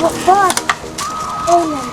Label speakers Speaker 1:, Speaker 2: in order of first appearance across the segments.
Speaker 1: বস এই নেন।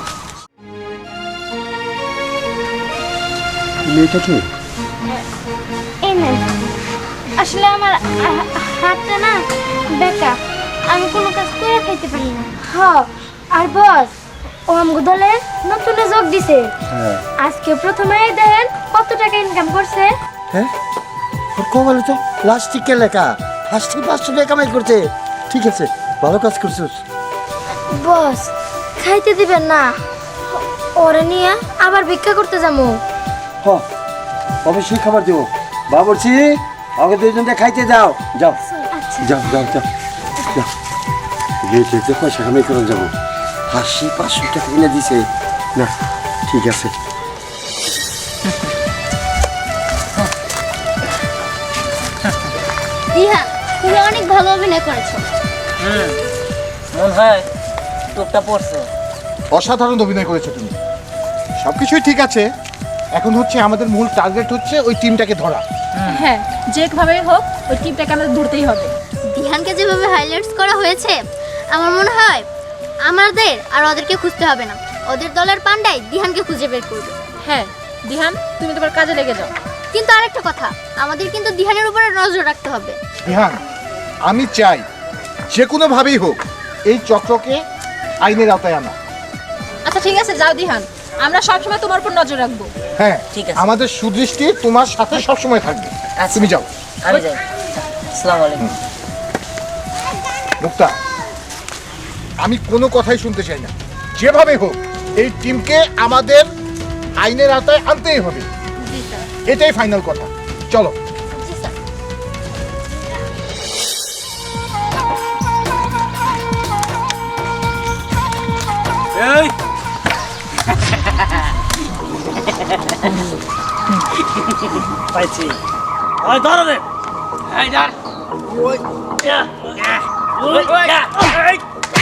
Speaker 2: মেয়েটা কি?
Speaker 1: এই নেন। আসলে আমার হাতটা না বেকা, আমি কোনো কাজ করে খাইতে পারি না। আর বস ও আমগো দলে নতুন যোগ দিছে।
Speaker 2: হ্যাঁ
Speaker 1: আজকে প্রথমে দেখেন কত টাকা ইনকাম করছে।
Speaker 2: হ্যাঁ ওর কপালে তো প্লাস্টিকের লেখা, ফার্স্টে 500 টাকা কামাই করছে। ঠিক আছে, ভালো কাজ করছিস।
Speaker 1: বস খাইতে দিবেন না? ওরে নিয়ে আবার ভিক্ষা করতে যাবো।
Speaker 2: হ অবশ্যই খাবার দেবো। বাবুর্চি আগে দুইজনকে খাইতে যাও। যাও
Speaker 1: আচ্ছা
Speaker 2: যাও যাও যাও যাও। গিয়ে পয়সা কামাই করে যাবো। 500 টাকা কিনে দিছে না। ঠিক আছে।
Speaker 1: দিহা, তুমি অনেক ভালো অভিনয় করেছো।
Speaker 3: মন হয় টুকটা পড়ছে।
Speaker 4: অসাধারণ অভিনয় করেছো তুমি। সবকিছুই ঠিক আছে, এখন হচ্ছে আমাদের মূল টার্গেট হচ্ছে ওই টিমটাকে ধরা।
Speaker 5: হ্যাঁ, যেভাবে হোক ওই টিমটাকে আমাদের ধরতেই হবে।
Speaker 1: দিহানকে যেভাবে হাইলাইটস করা হয়েছে, আমার মনে হয় আমাদের আর ওদেরকে খুঁজতে হবে না, ওদের দলের পান্ডাই দিহানকে খুঁজে বের করবে।
Speaker 5: হ্যাঁ দিহান, তুমি তোমার কাজে লেগে যাও।
Speaker 1: কিন্তু আরেকটা কথা, আমাদের কিন্তু দিহানের উপরে নজর রাখতে হবে।
Speaker 4: বিহান, আমি চাই যে কোনোভাবেই হোক এই চক্রকে আইনের আওতায় আনা।
Speaker 5: আচ্ছা ঠিক আছে, যাও দিহান, আমরা সবসময় তোমার উপর নজর রাখবো।
Speaker 4: হ্যাঁ
Speaker 3: ঠিক আছে।
Speaker 4: আমাদের সুদৃষ্টি তোমার সাথে সবসময় থাকবে।
Speaker 3: আচ্ছা।
Speaker 4: তুমি যাও।
Speaker 3: আমি যাই। আসসালামু আলাইকুম।
Speaker 4: মুক্তা, আমি কোনো কথাই শুনতে চাই না। যেভাবে হোক এই টিমকে আমাদের আইনের আওতায় আনতেই হবে।
Speaker 1: জি স্যার।
Speaker 4: এটাই ফাইনাল কথা। চলো।
Speaker 1: জি স্যার।
Speaker 3: এই পাইছি। ওই ধরো রে। এই ধর। ওই ইয়া ওই ইয়া এই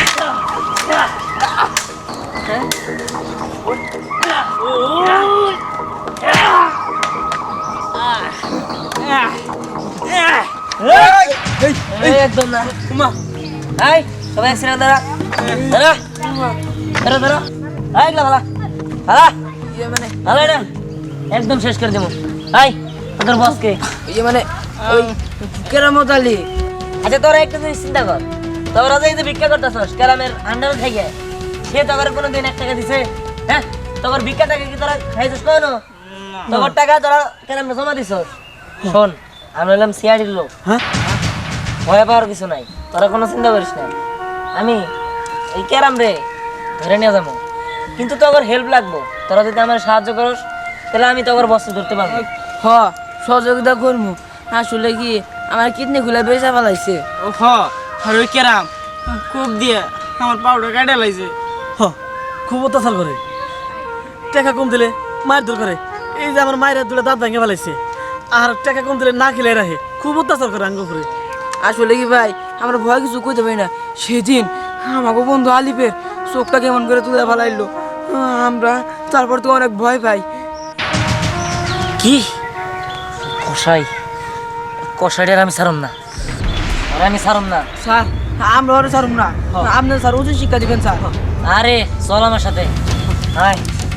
Speaker 3: একদম না উমা। এই সবাই একসাথে দাঁড়া দাঁড়া দাঁড়া দাঁড়া। এই লাগা হালা মানে হালা না একদম শেষ করে দেবো। এই তোর বসকে মানে ওই কেরামত আলী। আচ্ছা তোরা একটা জিনিস চিন্তা কর, তোরা যে ভিক্ষা করতেছস কেরামের আন্ডারে থেকে, সে তোর কোনোদিন 1 টাকা দিছে? হ্যাঁ, তোর ভিক্ষা টাকা কি তোরা খাইছিস কোনো? তোর টাকা তোরা কেরামে জমা দিছস? শোন, আমি হলাম সিআইডির লোক। হ্যাঁ, ভয় পাওয়ার কিছু নাই, তোরা কোনো চিন্তা করিস না। আমি এই ক্যারাম রে ধরে নিয়ে যাবো, কিন্তু তোর হেল্প লাগবো। তোরা যদি আমার সাহায্য করিস তাহলে আমি তোর বস্তু ধরতে পারবো।
Speaker 6: হ সহযোগিতা করবো। আসলে কি আমার কিডনি খুলে বেচা ফেলাইছে।
Speaker 7: হ আর ওই কেরাম খুব দিয়ে আমার পাউডার কাটে লাইছে।
Speaker 6: খুব অত্যাচার করে, টাকা কম দিলে মায়ের দূর করে। এই যে আমার মায়ের দুটো দাঁত ভেঙে ফেলাইছে, আর টাকা কম দিলে না খেলে রাখে। খুব অত্যাচার করে আঙ্গ করে। আসলে কি ভাই, আমরা ভয় কিছু কইতে পারি না। সেদিন আমাকে বন্ধু আলিফের চোখটা কেমন করে তুলে ফেলাইলো, আমরা তারপর তো অনেক ভয় পাই।
Speaker 3: কি কষাই? কষাইটার আমি ছাড়ম না, আর আমি ছাড়ম না।
Speaker 6: স্যার আমরা ওরা ছাড়ুন না, আপনি স্যার উচিত শিক্ষা দিবেন স্যার।
Speaker 3: আরে চল আমার সাথে আয়।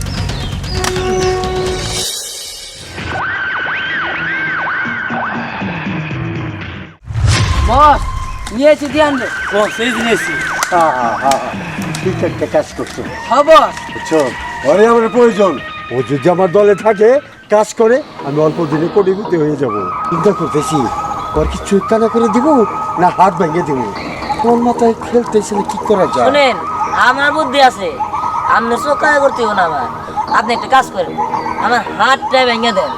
Speaker 6: বস নিয়েছি ধ্যান রে।
Speaker 7: ও সেই জিনিসই
Speaker 2: ঠিক একটা কাজ করছো।
Speaker 6: হ্যাঁ বস।
Speaker 2: বুঝছো, ওরে আমার প্রয়োজন। ও যদি আমার দলে থাকে, কাজ করে, আমি অল্প দিনে কোটিপতি হয়ে যাব। চিন্তা করতেছি ওর কি চুক্তানা করে দিব না হাত ভেঙে দিব। কোন মাথায় খেলতেছিল, কি করা যায়?
Speaker 3: শুনেন, আমার বুদ্ধি আছে, আপনি চোখা করতে হবে না। আমার আপনি একটা কাজ করেন, আমার হাতটা ভেঙে দেন।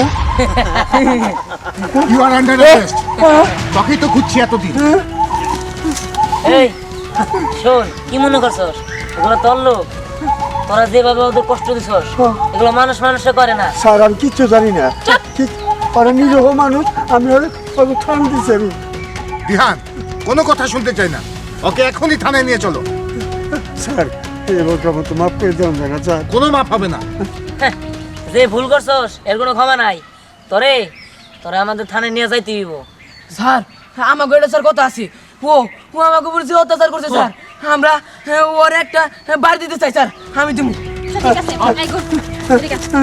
Speaker 4: You are under arrest. তোকেই তো খুঁজছি এতদিন।
Speaker 3: এই শোন, কি মনে করছস এগুলো তোর লোক? তোরা যেভাবে ওদের কষ্ট দিছস এগুলো মানুষ মানুষে করে না।
Speaker 2: স্যার আমি কিচ্ছু জানি না। ঠিক ওরা নিরহ মানুষ, আমি ওকে ঠান দিচ্ছি আমি।
Speaker 4: বিহান, কোনো কথা শুনতে চাই না। ওকে এখনই থানায় নিয়ে চলো।
Speaker 2: স্যার এবার কেমন তো মাফ করে দেওয়া যায় না স্যার?
Speaker 4: কোনো মাপ হবে না।
Speaker 3: হ্যাঁ, যে ভুল করছস এর কোনো ক্ষমা নাই। তোরে তোরা আমাদের থানায় নিয়ে যাইতে হইব।
Speaker 6: স্যার আমাকে এটা স্যার কথা আছে। ও ও আমাকে বলছে অত্যাচার করছে স্যার।
Speaker 3: আমরা ওর একটা বাড়ি দিতে চাই স্যার আমি দিব
Speaker 5: আচ্ছা, ঠিক আছে এই গো, ঠিক আছে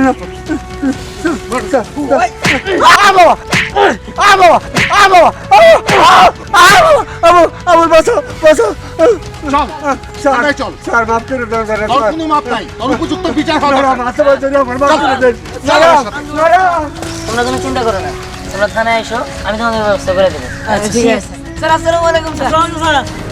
Speaker 2: আমার বাসা বাসা
Speaker 4: চল থানায় চল
Speaker 2: স্যার মাফ করে দেন স্যার
Speaker 4: তোর কোনো মাপ নাই তোর উপযুক্ত বিচার হবে
Speaker 2: মাথা বাজে আমার মাফ করে দেন
Speaker 3: তোমরা কোনো চিন্তা করো না তোমরা থানায় এসো আমি তোমাদের ব্যবস্থা করে দেবো
Speaker 6: আচ্ছা ঠিক আছে
Speaker 3: স্যার আসসালামু আলাইকুম স্যার
Speaker 6: স্যার